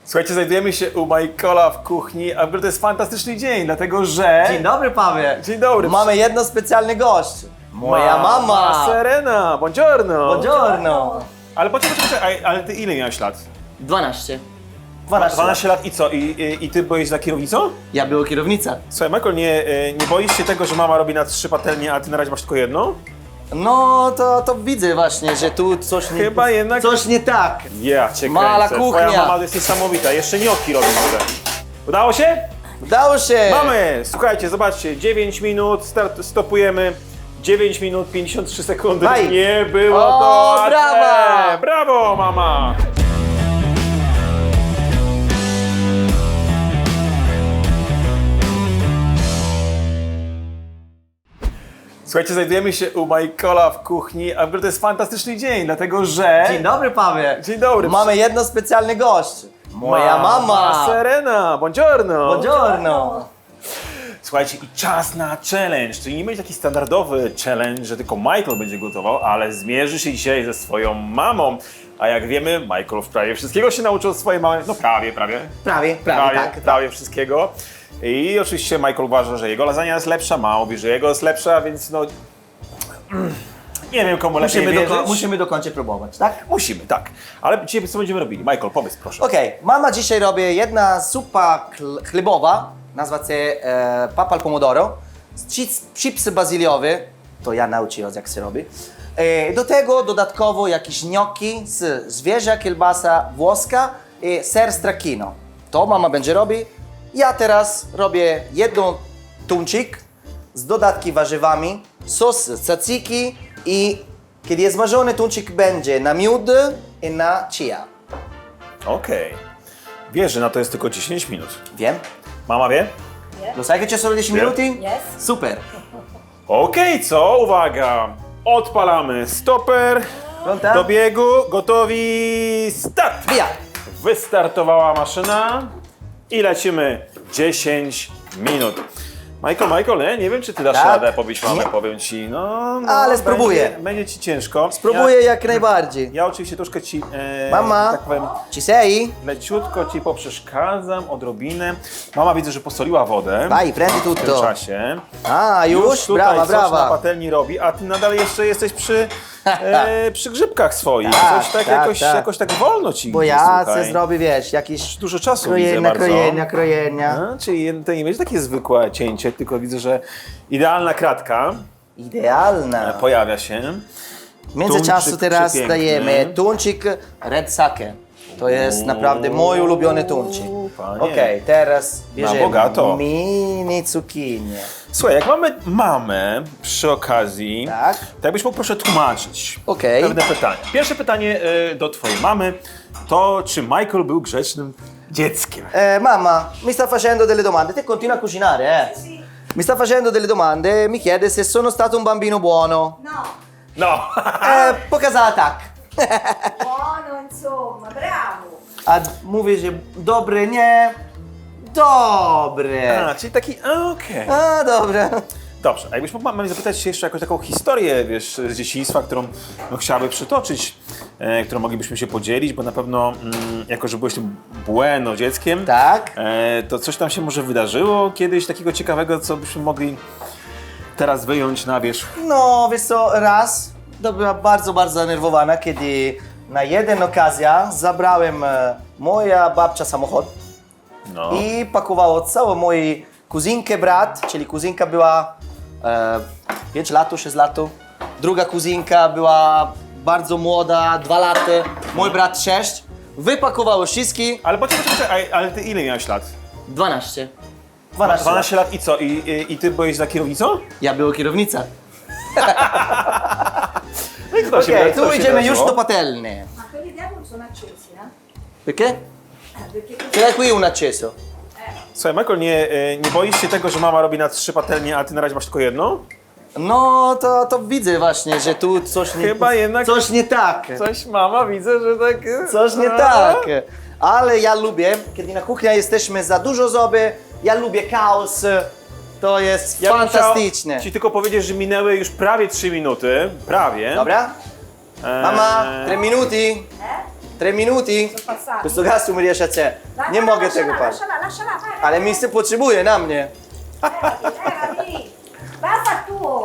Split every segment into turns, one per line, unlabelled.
Słuchajcie, znajdujemy się u Michaela w kuchni, a w ogóle to jest fantastyczny dzień, dlatego że...
Dzień dobry, Paweł.
Dzień dobry.
Mamy jedno specjalny gość. Moja mama.
Serena, buongiorno.
Buongiorno.
Ale poczekaj, ale ty ile miałeś lat?
12.
12 lat i co? I ty byłeś za kierownicą?
Ja była kierownica.
Słuchaj, Michael, nie boisz się tego, że mama robi na 3 patelnie, a ty na razie masz tylko jedną?
No to widzę właśnie, że tu coś nie...
Chyba jednak...
Coś nie tak.
Ja cię
Mala
kręcę.
kuchnia.
Twoja mama jest niesamowita, jeszcze gnocchi robi może. Udało się?
Udało się.
Mamy! Słuchajcie, zobaczcie, 9 minut, stopujemy. 9 minut 53 sekundy.
Daj.
Nie było
O,
to łatwe.
brawa!
Brawo, mama! Słuchajcie, znajdujemy się u Michaela w kuchni, a w ogóle to jest fantastyczny dzień, dlatego że...
Dzień dobry, Paweł.
Dzień dobry.
Mamy jedno specjalny gość. Moja mama.
Serena, buongiorno.
Buongiorno.
Słuchajcie, i czas na challenge, czyli nie będzie taki standardowy challenge, że tylko Michael będzie gotował, ale zmierzy się dzisiaj ze swoją mamą. A jak wiemy, Michael prawie wszystkiego się nauczył od swojej mamy, no prawie,
Prawie, tak.
prawie wszystkiego. I oczywiście Michael uważa, że jego lasagna jest lepsza, mama mówi, że jego jest lepsza, więc no... Nie wiem, komu lepiej wierzyć.
Musimy dokończyć próbować, tak?
Musimy, tak. Ale dzisiaj co będziemy robili? Michael, powiedz proszę.
Okej, mama dzisiaj robi jedna zupa chlebowa, nazywa się papal pomodoro, chipsy bazyliowe, to ja nauczyłem jak się robi. Do tego dodatkowo jakieś gnocchi z zwierzę, kielbasa włoska i ser stracchino. To mama będzie robi. Ja teraz robię jeden tuńczyk z dodatki warzywami, sos tzatziki i kiedy jest smażony tuńczyk będzie na miód i na chia.
Okej. Wiesz, że na to jest tylko 10 minut.
Wiem?
Mama wie?
Lo sai che c'è solo 10
Wiem.
minuti?
Yes.
Super.
Okej, co? Uwaga! Odpalamy stoper.
Pronta?
Do biegu, gotowi, start!
Via.
Wystartowała maszyna i lecimy 10 minut. Michael, nie wiem, czy ty dasz
Tak.
radę pobić mamę,
Nie.
powiem ci. No,
Ale spróbuję.
Będzie ci ciężko.
Spróbuję jak najbardziej.
Ja oczywiście troszkę ci,
Mama,
tak powiem,
ci sei?
leciutko ci poprzeszkadzam, odrobinę. Mama widzę, że posoliła wodę.
Vai, prendi
W tym
tutto.
czasie.
A, już?
Tutaj
Brawa,
coś na
brawa.
patelni robi, a ty nadal jeszcze jesteś przy grzybkach swoich.
Tak,
Coś tak,
tak,
jakoś tak wolno ci
Bo
idzie,
ja
słuchaj.
chcę zrobić, wiesz, jakieś
Dużo czasu widzę
krojenia,
bardzo.
krojenia.
A, czyli to nie będzie takie zwykłe cięcie, tylko widzę, że idealna kratka
Idealna.
pojawia się.
W międzyczasu
Tuńczyk
teraz
przepiękny.
dajemy tuńczyk red sake. To jest naprawdę mój ulubiony tuńczyk.
Panie.
Okej, teraz bierzemy
bogato.
mini cukinię.
Słuchaj, jak mamy mamę przy okazji,
Tak.
to jakbyś mógł proszę tłumaczyć
Okej.
pewne pytanie. Pierwsze pytanie do twojej mamy to, czy Michael był grzecznym dzieckiem?
Mamma, mi sta facendo delle domande. Te continua a cucinare, eh? Mi sta facendo delle domande, mi chiede se sono stato un bambino buono.
No,
No!
Pokazała tak.
buono insomma, bravo.
A mówi, że dobry, nie. Dobre.
A, czyli taki, okej.
A, dobra.
Dobrze, a jakbyś mógł mamy zapytać się jeszcze jakąś taką historię, wiesz, z dzieciństwa, którą chciałaby przytoczyć, którą moglibyśmy się podzielić, bo na pewno, jako że byłeś tym bueno dzieckiem,
Tak.
to coś tam się może wydarzyło kiedyś takiego ciekawego, co byśmy mogli teraz wyjąć na wierzch.
No, wiesz co, raz to była bardzo, bardzo zdenerwowana, kiedy na jeden okazja zabrałem moja babcia samochód
No.
i pakowało całą moją kuzynkę, brat, czyli kuzynka była 5 lat, 6 lat. Druga kuzynka była bardzo młoda, 2 lata, mój brat 6. Wypakowało wszystkich.
Ale poczekaj, ale ty ile miałeś lat?
12. 12 lat.
12 lat i co? I ty byłeś za kierownicą?
Ja była kierownica.
No i kto
Okej,
kto
tu idziemy już
wydarzyło?
do patelni.
Ma quelli dietro sono accesi, eh?
Perché?
Perché così
Ce l'hai qui un acceso.
Słuchaj, Michael, nie boisz się tego, że mama robi na 3 patelnie, a ty na razie masz tylko jedną?
No, to widzę właśnie, że tu coś nie...
Chyba jednak-
Coś nie tak.
Coś mama, widzę, że tak...
Coś nie tak. Ale ja lubię, kiedy na kuchni jesteśmy za dużo osoby, ja lubię chaos. To jest
Ja bym chciał
fantastyczne.
ci tylko powiedzieć, że minęły już prawie 3 minuty. Prawie.
Dobra? Mama, 3 minuti. 3 minuti?
passati.
Questo gas mi riesce a c'è.
Dai,
Nie
dai,
mogę
lasciala,
tego paść.
lasciala, vai.
Ale miejsce potrzebuje na mnie.
Levati. Basta tu.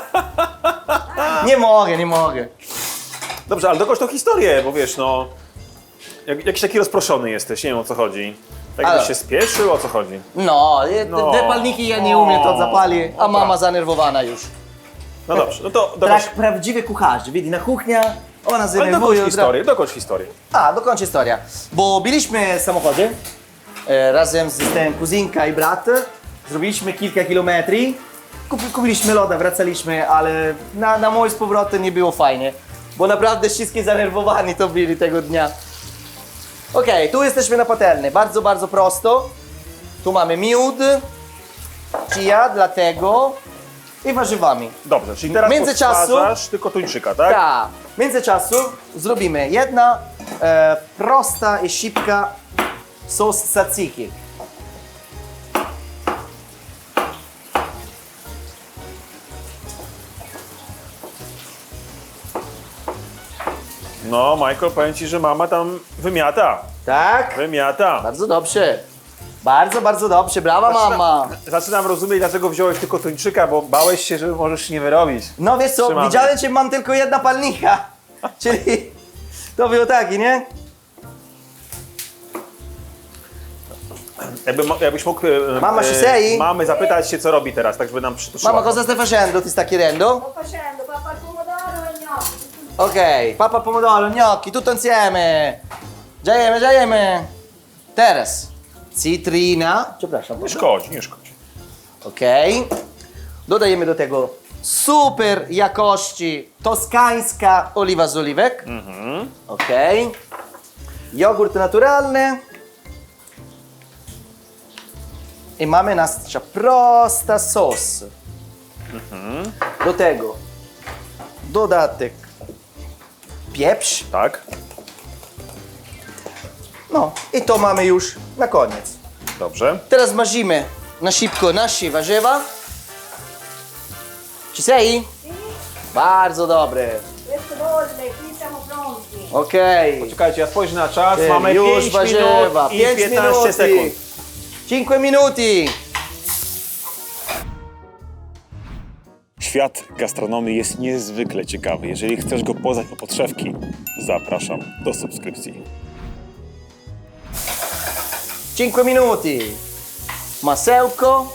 Nie mogę.
Dobrze, ale dokończ tą historię, bo wiesz, no... Jakiś taki rozproszony jesteś, nie wiem o co chodzi. Tak
Ale-
byś się spieszył, o co chodzi?
No,
No.
te palniki ja nie umiem to zapali, a mama zanerwowana już.
No dobrze, no to dokończ,
Tak prawdziwy kucharz, widzi na kuchnia, ona
ale
zdenerwuje.
dokończ historię.
A, dokończę historia. Bo byliśmy w samochodzie razem z tym kuzynka i brat. Zrobiliśmy kilka kilometrów. Kupiliśmy loda, wracaliśmy, ale na mój z powrotem nie było fajnie. Bo naprawdę wszystkie zanerwowani to byli tego dnia. Okej, tu jesteśmy na patelni. Bardzo, bardzo prosto. Tu mamy miód, chia, dlatego i warzywami.
Dobrze, czyli teraz
Międzyczasu-
podsadzasz tylko tuńczyka, tak?
Tak. W międzyczasu zrobimy jedna prosta i szybka sos tzatziki.
No, Michael, powiem ci, że mama tam wymiata.
Tak?
Wymiata.
Bardzo dobrze. Bardzo, bardzo dobrze. Brawa, mama.
Zaczynam rozumieć, dlaczego wziąłeś tylko tuńczyka, bo bałeś się, że możesz nie wyrobić.
No wiesz co,
Trzymamy.
widziałem, że mam tylko jedna palnika. Czyli to było taki, nie?
Jakbyś mógł
Mama ci sei?
mamy zapytać się, co robi teraz, tak żeby nam przytuszyła.
Mama, cosa stai facendo? Ti sta chiedendo?
Sto facendo papà al pomodoro e gnocchi.
Ok, papa pomodoro, gnocchi, tutto insieme. Già jemy. Teraz cytryna. Przepraszam.
Nie szkodzi, nie szkodzi.
Ok. Dodajemy do tego super jakości toskańska oliwa z oliwek. Ok. Jogurt naturalny. I mamy nasza prosta sos. Do tego dodatek pieprz.
Tak?
No i to mamy już na koniec.
Dobrze.
Teraz smażymy na szybko nasze warzywa. Ci sei?
Sì,
Bardzo dobre.
questo bolle, qui siamo pronti.
Okej.
Czekajcie, ja spojrzę na czas,
Ty,
mamy
już
5
warzywa.
minut i
5
15
minuty.
sekund.
5 minuti.
Świat gastronomii jest niezwykle ciekawy. Jeżeli chcesz go poznać po podszewki, zapraszam do subskrypcji.
5 minuti. Masełko.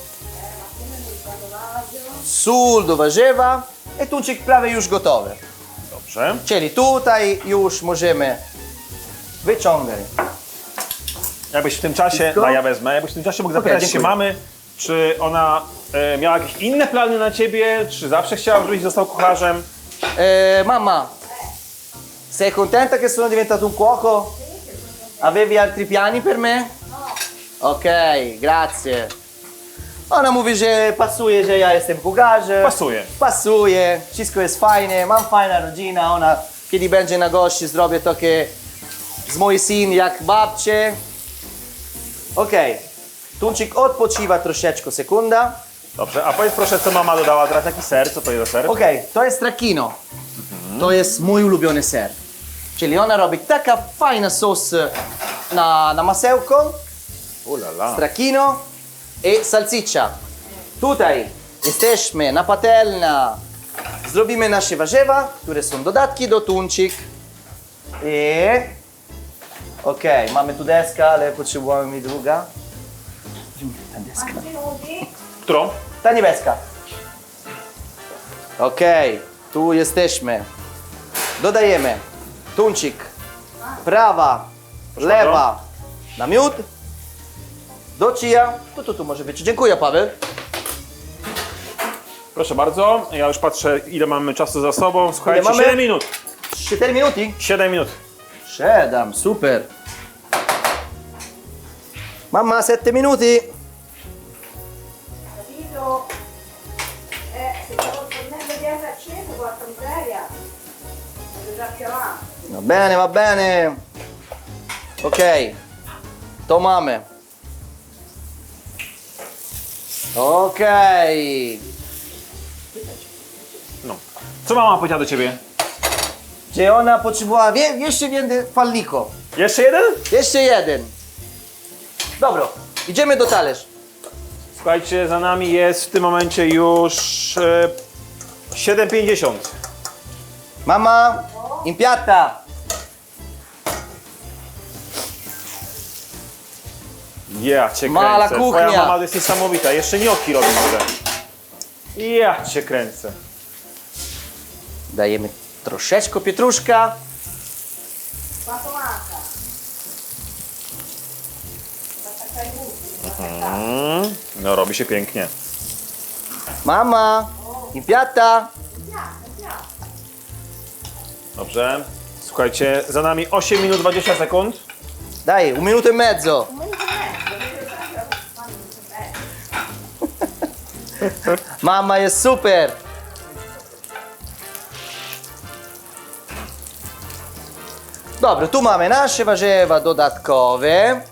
Sól do warzywa. I tuńczyk prawie już gotowy.
Dobrze.
Czyli tutaj już możemy wyciągać.
Jakbyś w tym czasie,
Wszystko?
no ja wezmę, jakbyś w tym czasie mógł zapytać się
dziękuję.
mamy, czy ona miała jakieś inne plany na ciebie, czy zawsze chciała, żebyś został kucharzem?
Mamma, sei contenta che sono diventato un cuoco? Avevi altri piani per me? Ok, grazie. Ona mówi, że pasuje, że ja jestem kucharzem.
Pasuje.
Pasuje, wszystko jest fajne, mam fajna rodzina. Ona, kiedy będzie na gości, zrobię takie z mój syn jak babcie. Ok, tuńczyk odpoczywa troszeczkę, sekunda.
Dobrze, a powiedz proszę, co mama dodała teraz, jaki ser, co to jest za ser?
Ok, to jest stracchino. To jest mój ulubiony ser. Czyli ona robi taka fajna sos na masełko,
Ulala.
stracchino i salsiccia. Tutaj jesteśmy na patelnia. Zrobimy nasze warzywa, które są dodatki do tuńczyk. I... Ok, mamy tu deskę, ale potrzebujemy mi druga. Ta deska.
Quanti minuti?
Którą?
Ta niebieska. Ok, tu jesteśmy. Dodajemy tuńczyk, prawa, lewa na miód. Do chia. Tu może być. Dziękuję, Paweł.
Proszę bardzo, ja już patrzę, ile mamy czasu za sobą. Słuchajcie,
Ile mamy?
7 minut.
4 minuti?
7 minut.
7, super. Mamma, 7 minuti.
Capito? Se stavo tornando di aria acceso, porca miseria. Vado già più avanti.
Va bene, va bene. Ok, to mamy. Ok.
No. Co mama powiedziała do ciebie?
że ona potrzebowała jeszcze więcej palniku.
Jeszcze jeden?
Jeszcze jeden. Dobra, idziemy do talerz.
Słuchajcie, za nami jest w tym momencie już 7,50.
Mama, impiata.
Ja cię
Mala
kręcę.
kuchnia.
Twoja mama jest niesamowita. Jeszcze gnocchi robi może. Ja cię kręcę.
Dajemy troszeczkę pietruszka.
Patolata. Zaczekaj buty.
No robi się pięknie.
Mama, impiata.
Dobrze. Słuchajcie, za nami 8 minut 20 sekund.
Daj, 1 minuto e mezzo. Mama jest super. Dobra, tu mamy nasze warzywa dodatkowe.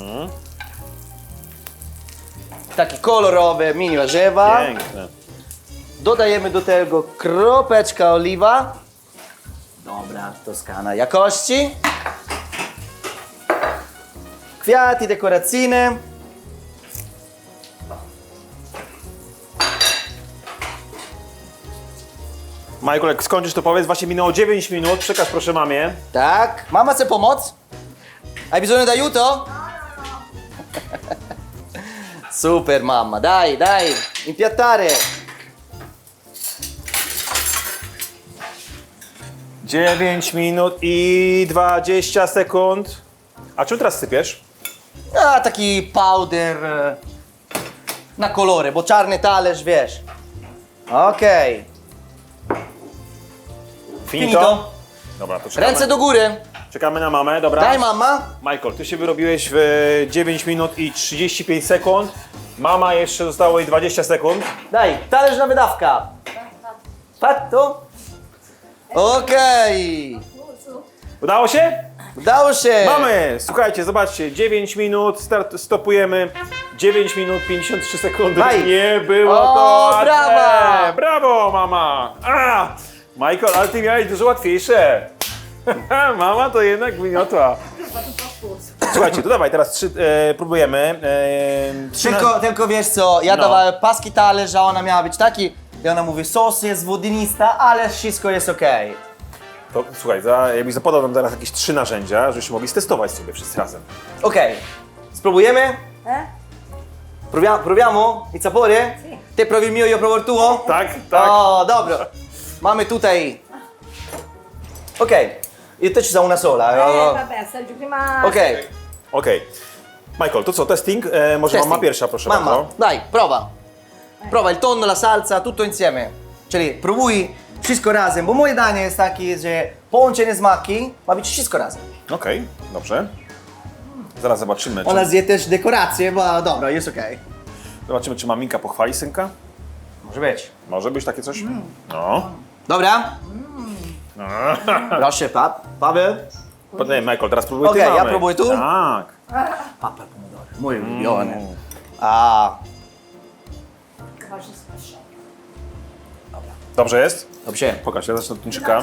Takie kolorowe mini warzywa.
Piękne.
Dodajemy do tego kropeczka oliwa. Dobra, toskana jakości. Kwiaty dekoracyjne.
Michael, jak skończysz to powiedz, właśnie minęło 9 minut, przekaż proszę mamie.
Tak. Mama chce pomoc? Hai bisogno d'aiuto? Super mamma, dai, dai, impiattare.
9 minut i 20 sekund. A czym teraz sypiesz?
A, taki powder na kolory, bo czarny talerz, wiesz. Okej. Finito.
Dobra, to czekamy.
Ręce do góry.
Czekamy na mamę, dobra.
Daj mama.
Michael, ty się wyrobiłeś w 9 minut i 35 sekund. Mama jeszcze zostało jej 20 sekund.
Daj, talerz na wydawka. Fatto? Okej.
Udało się?
Udało się.
Mamy! Słuchajcie, zobaczcie, 9 minut, stopujemy. 9 minut 53 sekundy.
Daj.
Nie było
O,
to łatwe.
brawa!
Brawo, mama! A! Michael, ale ty miałeś dużo łatwiejsze. Mama to jednak wyniotła. Słuchajcie, to dawaj, teraz próbujemy.
Tylko wiesz co, ja
No.
dawałem paski talerz, a ona miała być taki. I ona mówi, sos jest wodnista, ale wszystko jest okej.
To, słuchaj, jakbyś zapodał nam teraz jakieś 3 narzędzia, żebyśmy mogli stestować sobie wszyscy razem.
Okej. Spróbujemy?
Eh?
Proviamo il sapore?
Sì.
Te provi il mio, io provo il tuo?
Tak, tak.
O, dobra. Mamy tutaj. Okej. Io te ci sa una sola.
Vabbè, assaggi prima.
Okej.
Okej. Michael, to co, testing? Może
Testing.
mama pierwsza, proszę
Mamma,
bardzo.
dai, prova. Prova il tonno, la salsa, tutto insieme. Czyli próbuj wszystko razem, bo moje danie jest takie, że połączenie smaki ma być wszystko razem.
Okej, dobrze. Zaraz zobaczymy, czy,
Ona zje też dekoracje, bo dobra, jest okej.
zobaczymy, czy maminka pochwali synka.
Może być.
Może być takie coś? No.
Dobra. Proszę, Paweł.
Nie, Michael, teraz próbuj ty
Okej, ja
mamy.
próbuję tu?
Tak.
Papa al pomodoro. Mój ulubiony. A,
Faccio sfasciare.
Dobrze jest?
dobrze.
Pokaż, ja zacznę od tuńczyka.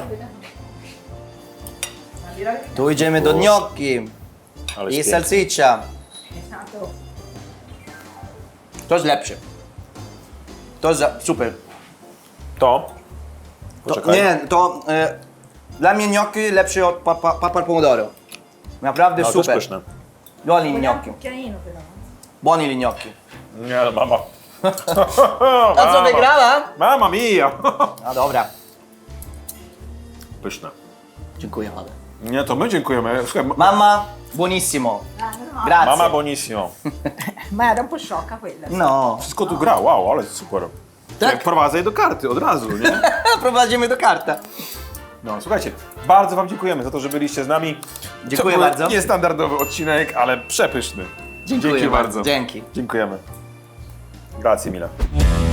Tu idziemy do gnocchi
Ale
i
jest
salsiccia.
Esatto.
To jest lepsze. To jest super.
To?
To,
Poczekaj.
nie, to dla mnie gnocchi lepsze od papa al pomodoro. Naprawdę
No, to jest
super.
pyszne.
Buoni
Vogliamo un
gnocchi.
cucchiaino però.
Buoni gli gnocchi.
Nie, ale mama.
A co wygrała?
Mama mia!
No dobra.
Pyszne.
Dziękuję, mamy.
Nie, to my dziękujemy. Słuchaj,
Mama, buonissimo.
No,
Grazie.
mama bonissimo.
ma era un po' sciocca quella.
No.
Wszystko tu gra, wow, ale super.
Tak?
Prowadzę je do karty od razu, nie?
Prowadzimy do karta.
No, słuchajcie, bardzo wam dziękujemy za to, że byliście z nami.
Dziękuję
To był
bardzo.
Niestandardowy odcinek, ale przepyszny.
Dziękuję
Dzięki
bardzo.
bardzo.
Dzięki.
Dziękujemy. Grazie mille.